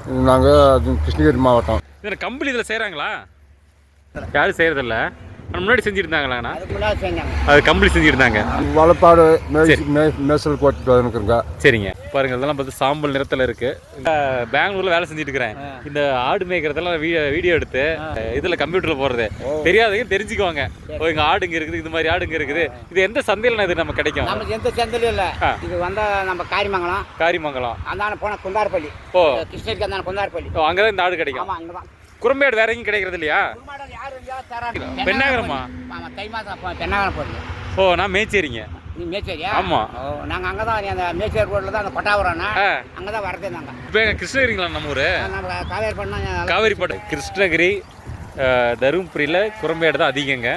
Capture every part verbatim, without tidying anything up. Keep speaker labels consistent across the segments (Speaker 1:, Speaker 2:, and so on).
Speaker 1: நாங்கள் கிருஷ்ணகிரி மாவட்டம்.
Speaker 2: இதில் கம்பெனி இதில் செய்கிறாங்களா? யாரும் செய்கிறதில்ல. முன்னாடி செஞ்சுருந்தாங்களாண்ணா? அது கம்பெனி செஞ்சுருந்தாங்க.
Speaker 1: வளப்பாடு மேசல் கோட்டு இருக்குங்க.
Speaker 2: சரிங்க. பாருங்க, இதெல்லாம் பார்த்து சாம்பல் நிறத்தில் இருக்குது. பெங்களூரில் வேலை செஞ்சுட்டு இருக்கிறேன். இந்த ஆடு மேய்க்கிறதெல்லாம் வீடியோ எடுத்து இதில் கம்ப்யூட்டரில் போடுறது தெரியாதவங்க தெரிஞ்சுக்குவாங்க. ஓ, இங்கே ஆடுங்க இருக்குது, இது மாதிரி ஆடுங்க இருக்குது. இது எந்த சந்தையில் இது நம்ம கிடைக்கும்?
Speaker 3: நமக்கு எந்த சந்தையிலும் இல்லை. இது வந்து நம்ம காரிமங்கலம்.
Speaker 2: காரிமங்கலம்
Speaker 3: அந்தான போன குந்தாரப்பள்ளி. ஓ, கிருஷ்ணகிரிக்கு அந்தான குந்தாரப்பள்ளி.
Speaker 2: ஓ, அங்கே தான் இந்த ஆடு கிடைக்கும்.
Speaker 3: ஆமாம், அங்கே தான்.
Speaker 2: குறும்பேடு வேற எங்கேயும் கிடைக்கிறது இல்லையா? பெண்ணாகரமா?
Speaker 3: ஆமாம், தை மாதம் பெண்ணாகரம் போடுங்க.
Speaker 2: ஓ, நான் மேச்சேரிங்க.
Speaker 3: நீ மேச்சேரியா?
Speaker 2: ஆமாம்.
Speaker 3: ஓ, நாங்கள் அங்கே தான் அந்த மேச்சேரி ரோட்டில் தான் அந்த கொட்டாபுரம்னா அங்கே தான் வரதே நாங்கள்.
Speaker 2: இப்போ எங்கள் கிருஷ்ணகிரிங்களா நம்ம ஊர்?
Speaker 3: நம்ம காவேரி பண்ணா
Speaker 2: காவேரி பட்டு கிருஷ்ணகிரி தருமபுரியில் குறும்பேடு தான் அதிகங்க.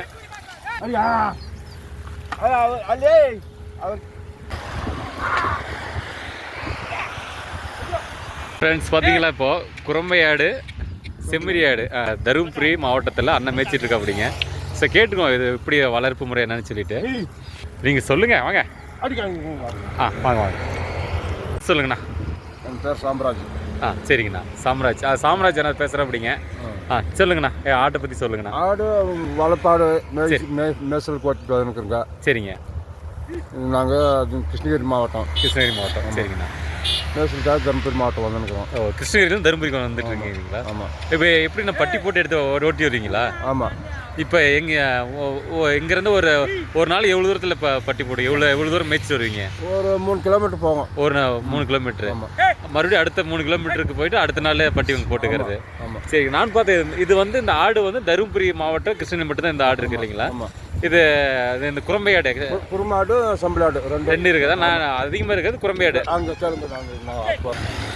Speaker 2: ஃப்ரெண்ட்ஸ், பார்த்தீங்களா இப்போது குறும்பையாடு செம்மறியாடு தருமபுரி மாவட்டத்தில் அண்ணன் மேய்ச்சிட்டு இருக்கா அப்படிங்க. ஸோ கேட்டுக்கோ இது இப்படி வளர்ப்பு முறை என்னன்னு சொல்லிட்டு நீங்கள் சொல்லுங்கள். வாங்க. ஆ, வாங்க வாங்க சொல்லுங்கண்ணா.
Speaker 1: என் பேர் சாம்ராஜ்.
Speaker 2: ஆ, சரிங்கண்ணா. சாம்ராஜ். ஆ, சாம்ராஜ் என்ன பேசுகிறேன் அப்படிங்க. ஆ, சொல்லுங்கண்ணா. ஏ, ஆட்டை பற்றி சொல்லுங்கண்ணா.
Speaker 1: ஆடு வளப்பாடு மேசல் கோட்டு இருக்குங்க.
Speaker 2: சரிங்க.
Speaker 1: நாங்கள் கிருஷ்ணகிரி மாவட்டம்.
Speaker 2: கிருஷ்ணகிரி மாவட்டம். சரிங்கண்ணா.
Speaker 1: மேசலுக்காக தருமபுரி மாவட்டம் வந்துருக்கிறோம்.
Speaker 2: ஓ, கிருஷ்ணகிரியிலும் தருமபுரிக்கு வந்துட்டு இருக்கீங்களா?
Speaker 1: ஆமாம்.
Speaker 2: இப்போ எப்படி நான் பட்டி போட்டு எடுத்து ஓட்டி வருவீங்களா?
Speaker 1: ஆமாம்.
Speaker 2: இப்போ எங்கே இங்கேருந்து ஒரு ஒரு நாள் எவ்வளோ தூரத்தில் இப்போ பட்டி போட்டு எவ்வளோ எவ்வளோ தூரம் மேய்ச்சி வருவீங்க?
Speaker 1: ஒரு மூணு கிலோமீட்டர் போவோம்.
Speaker 2: ஒரு மூணு கிலோமீட்டரு. மறுபடியும் அடுத்த மூணு கிலோமீட்டருக்கு போயிட்டு அடுத்த நாள் பட்டி வந்து போட்டுக்கிறது.
Speaker 1: ஆமாம்.
Speaker 2: சரி, நான் பார்த்தேன் இது வந்து இந்த ஆடு வந்து தருமபுரி மாவட்டம் கிருஷ்ணகிரி மட்டும்தான் இந்த ஆடு இருக்குது இல்லைங்களா?
Speaker 1: ஆமாம்.
Speaker 2: இது இந்த குறும்பையாடு
Speaker 1: குறுமாடு சம்பளாடு ரெண்டு
Speaker 2: ரெண்டு இருக்குதா? நான் அதிகமாக இருக்கிறது குறும்பையாடு.
Speaker 1: அங்கே கிளம்பு.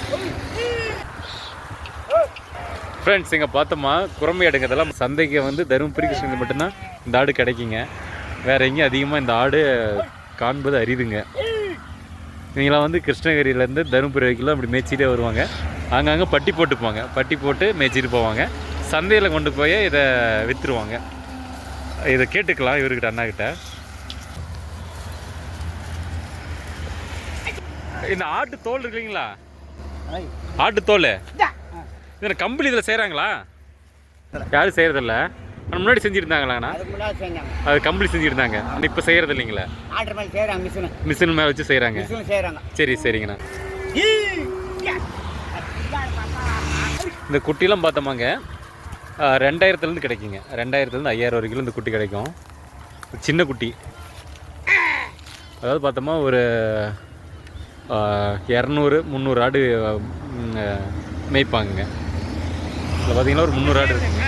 Speaker 2: ஃப்ரெண்ட்ஸ், இங்கே பார்த்தோமா குறும்பையாடுங்கிறதெல்லாம் சந்தைக்கு வந்து தருமபுரி கிருஷ்ணகிரி மட்டும்தான் இந்த ஆடு கிடைக்குங்க. வேறு எங்கேயும் அதிகமாக இந்த ஆடு காண்பது அரிதுங்க. இவங்களாம் வந்து கிருஷ்ணகிரியிலேருந்து தருமபுரி வரைக்கும் அப்படி மேய்ச்சிட்டே வருவாங்க. அங்கங்கே பட்டி போட்டுப்பாங்க. பட்டி போட்டு மேய்ச்சிட்டு போவாங்க. சந்தையில் கொண்டு போய் இதை விற்றுருவாங்க. இதை கேட்டுக்கலாம் இவர்கிட்ட, அண்ணாக்கிட்ட. இந்த ஆட்டு தோல் இருக்கு இல்லைங்களா? ஆட்டு தோல் இதில் கம்பெனி இதில் செய்கிறாங்களா? யாரும் செய்கிறதில்ல. ஆனால் முன்னாடி செஞ்சுருந்தாங்களாண்ணா? அது கம்பெனி செஞ்சுருந்தாங்க. இப்போ செய்கிறது இல்லைங்களா? மிஷின் மேலே வச்சு செய்கிறாங்க. சரி, சரிங்கண்ணா. இந்த குட்டிலாம் பார்த்தோமாங்க ரெண்டாயிரத்துலேருந்து கிடைக்குங்க. ரெண்டாயிரத்துலேருந்து ஐயாயிரம் வரைக்கும் இந்த குட்டி கிடைக்கும். சின்ன குட்டி. அதாவது பார்த்தோமா ஒரு இரநூறு முந்நூறு ஆடு மேய்ப்பாங்க. இதில் பார்த்தீங்கன்னா ஒரு முந்நூறு ஆடு இருக்குங்க.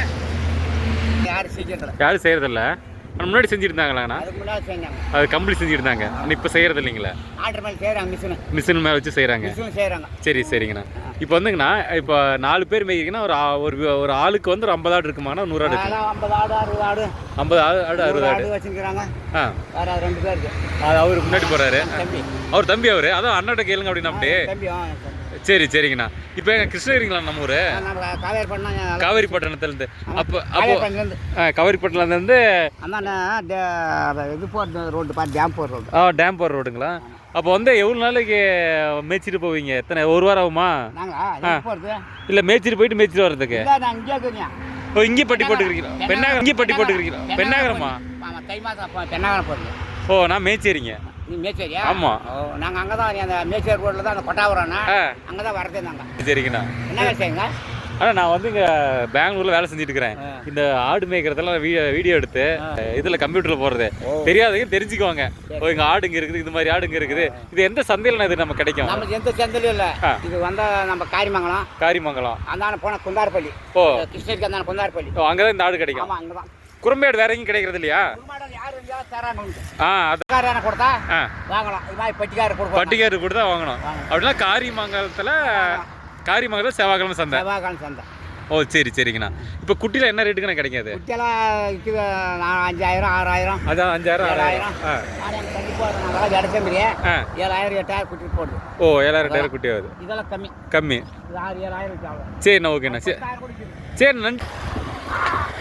Speaker 2: யாரும் செய்கிறதில்ல. ஆனால் முன்னாடி செஞ்சுருந்தாங்களாண்ணா? அது கம்பெனி செஞ்சுருந்தாங்க. ஆனால் இப்போ செய்கிறது இல்லைங்களா? மிஷின் மேலே வச்சு செய்கிறாங்க. சரி, சரிங்கண்ணா. இப்போ வந்துங்கண்ணா, இப்போ நாலு பேர் மேய்க்கிறீங்கன்னா ஒரு ஒரு ஒரு ஆளுக்கு வந்து ஒரு ஐம்பது ஆடு இருக்குமாண்ணா? நூறு ஆடு இருக்கு. ஐம்பது ஆடு ஆடு அறுபது ஆடு வச்சுருக்காங்க. ஆ,
Speaker 3: ரெண்டு பேர் இருக்கு.
Speaker 2: அது அவர் முன்னாடி போகிறாரு. அவர் தம்பி அவர். அதான் அண்ணாட்ட கேளுங்க அப்படின்னா அப்படியே. சரி, சரிங்கண்ணா. இப்போ எங்கள் கிருஷ்ணகிரிங்களா நம்ம ஊர்? காவேரி பட்டணத்துலேருந்து. அப்போ அப்போ காவேரி பட்டணத்துலேருந்து
Speaker 3: இது போகிற ரோடு பார்த்து டேம் போகிற ரோடு.
Speaker 2: ஆ, டேம் போகிற ரோடுங்களா? அப்போ வந்து எவ்வளோ நாளைக்கு மேய்ச்சிட்டு போவீங்க? எத்தனை, ஒரு வாரம் ஆகுமா? இல்லை, மேய்ச்சிட்டு போயிட்டு மேய்ச்சிட்டு வர்றதுக்கு? ஓ, இங்கே பட்டி போட்டுக்கிறீங்களா? பெண்ணாகரம். இங்கே பட்டி போட்டுக்கிறீங்களா? பெண்ணாகரமா?
Speaker 3: தை மாதம் பெண்ணாகரம் போடுங்க.
Speaker 2: ஓ, நான் மேய்ச்சேரிங்க.
Speaker 3: நீ மேச்சேரியா?
Speaker 2: ஆமாம்.
Speaker 3: ஓ, நாங்கள் அங்கே தான் அந்த மேச்சேரி ரோட்டில் தான் அந்த கொட்டாபுரம்னா அங்கே தான் வரதே நாங்கள்.
Speaker 2: சரிங்கண்ணா.
Speaker 3: என்ன வேலை செய்யுங்க?
Speaker 2: ஆனால் நான் வந்து இங்கே பெங்களூரில் வேலை செஞ்சுட்டு இருக்கிறேன். இந்த ஆடு மேய்க்கிறதெல்லாம் வீடியோ எடுத்து இதில் கம்ப்யூட்டரில் போடுறது தெரியாதவங்க தெரிஞ்சுக்குவாங்க. ஓ, இங்கே ஆடுங்க இருக்குது, இது மாதிரி ஆடுங்க இருக்குது. இது எந்த சந்தையில் இது நம்ம கிடைக்கும்?
Speaker 3: நமக்கு எந்த சந்தையிலும் இல்லை. இது வந்து நம்ம காரிமங்கலம்.
Speaker 2: காரிமங்கலம்
Speaker 3: அந்தான போன குந்தாரப்பள்ளி. ஓ, கிருஷ்ணகிரிக்கு அந்தான குந்தாரப்பள்ளி.
Speaker 2: ஓ, அங்கே தான் இந்த ஆடு கிடைக்கும்.
Speaker 3: ஆமாம், அங்கே தான்.
Speaker 2: குறும்பேடு வேற எங்கேயும் கிடைக்கிறது இல்லையா? ஆ, அது
Speaker 3: கொடுத்தா வாங்கலாம். இது மாதிரி பட்டிக்காரர் கொடுப்போம்.
Speaker 2: பட்டிக்காரர் கொடுத்தா வாங்கணும். அப்படின்னா காரிமங்கலத்தில் காரிமங்கலம் செவ்வாய்க்கிழமை சந்தை.
Speaker 3: செவ்வாய்க்கிழமை சந்தை.
Speaker 2: ஓ, சரி, சரிங்கண்ணா. இப்போ குட்டியில் என்ன ரேட்டுக்குண்ணா கிடைக்காது?
Speaker 3: குட்டியெல்லாம் விற்குது அஞ்சாயிரம் ஆறாயிரம்.
Speaker 2: அதான் அஞ்சாயிரம் ஆறாயிரம்.
Speaker 3: ஆ, இடத்தம்பி ஏழாயிரம் எட்டாயிரம் குட்டி போடுது.
Speaker 2: ஓ, ஏழாயிரம் எட்டாயிரம் குட்டி ஆகுது.
Speaker 3: இதெல்லாம் கம்மி
Speaker 2: கம்மி.
Speaker 3: ஆறு ஏழாயிரம்.
Speaker 2: சரிண்ணா, ஓகேண்ணா. சரி, சரி, நன்றி.